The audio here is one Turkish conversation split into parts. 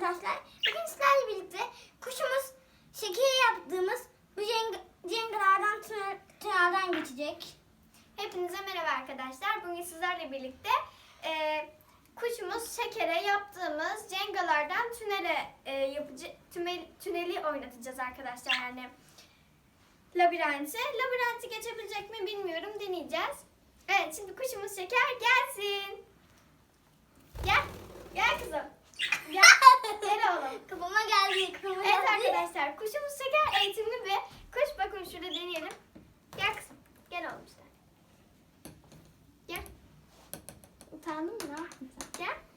arkadaşlar. Bugün sizlerle birlikte kuşumuz şekeri yaptığımız bu cengalardan tünelden geçecek. Hepinize merhaba arkadaşlar. Bugün sizlerle birlikte kuşumuz şekere yaptığımız cengalardan tüneli oynatacağız arkadaşlar. Yani labirenti. Labirenti geçebilecek mi bilmiyorum. Deneyeceğiz. Evet, şimdi kuşumuz şeker gelsin. Gel. Gel kızım. Gel. Gel oğlum. Kafama geldi. Evet arkadaşlar, kuşumuz şeker eğitimli bir kuş. Bakın şurada deneyelim. Gel kızım. Gel oğlum işte. Gel. Utandın mı? Ne yaptın sen? Gel.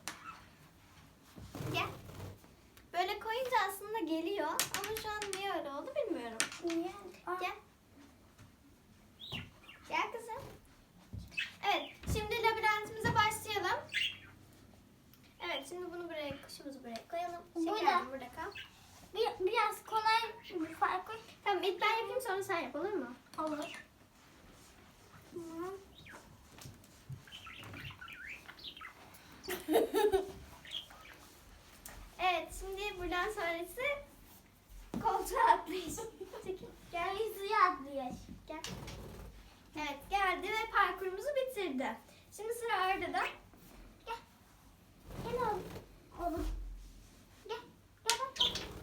Gel. Böyle koyunca aslında geliyor. Ama şu an niye öyle oldu bilmiyorum. Niye? Gel. Gel kızım. Evet, şimdi labirentimize başlayalım. Evet, şimdi bunu buraya, kuşumuzu buraya koyalım. Şeker burada kal. Biraz kolay bir farkı. Tamam, ilk ben yapayım sonra sen yap, olur mu? Olur. Evet, şimdi buradan sonrası koltuğa atlayış. Çekil. Gel suya atlıyor. Gel. Evet, geldi ve parkurumuzu bitirdi. Şimdi sıra Arda'da. Gel. Gel oğlum. Oğlum. Gel. Gel bak.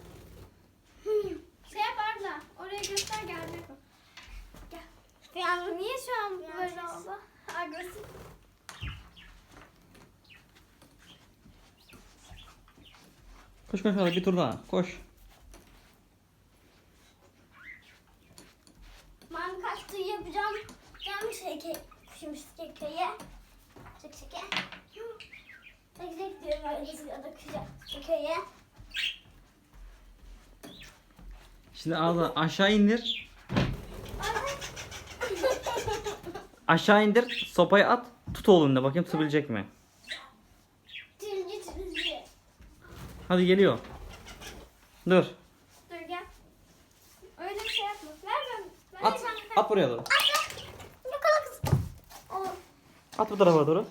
Şey yap Arda, oraya göster geldi. Gel. Yani Niye şu an Biraz böyle ses. oldu? Agresif. Koş koş hadi bir tur daha. Koş. ben kaçtığı yapacağım. Ben şeker. Kuşumuz şekeri. Şeker. Tek diyorum öyle suya da şekeri. Şimdi ağzına aşağı indir. Aşağı indir. Sopayı at. Tut oğlum da bakayım tutabilecek mi? Tilci. Hadi geliyor. Dur. Dur gel. Öyle bir şey yapma. Ver ben. At. At buraya doğru. Yakala kız. Oğlum. At bu tarafa doğru.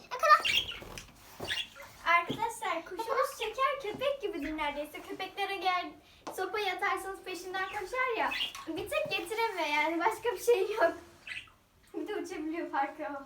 Arkadaşlar kuşumuz şeker köpek gibidir neredeyse. Köpeklere gel sopayı atarsanız peşinden koşar ya. Bir tek getiremiyor yani başka bir şey yok. Bir de uçabiliyor farkı o.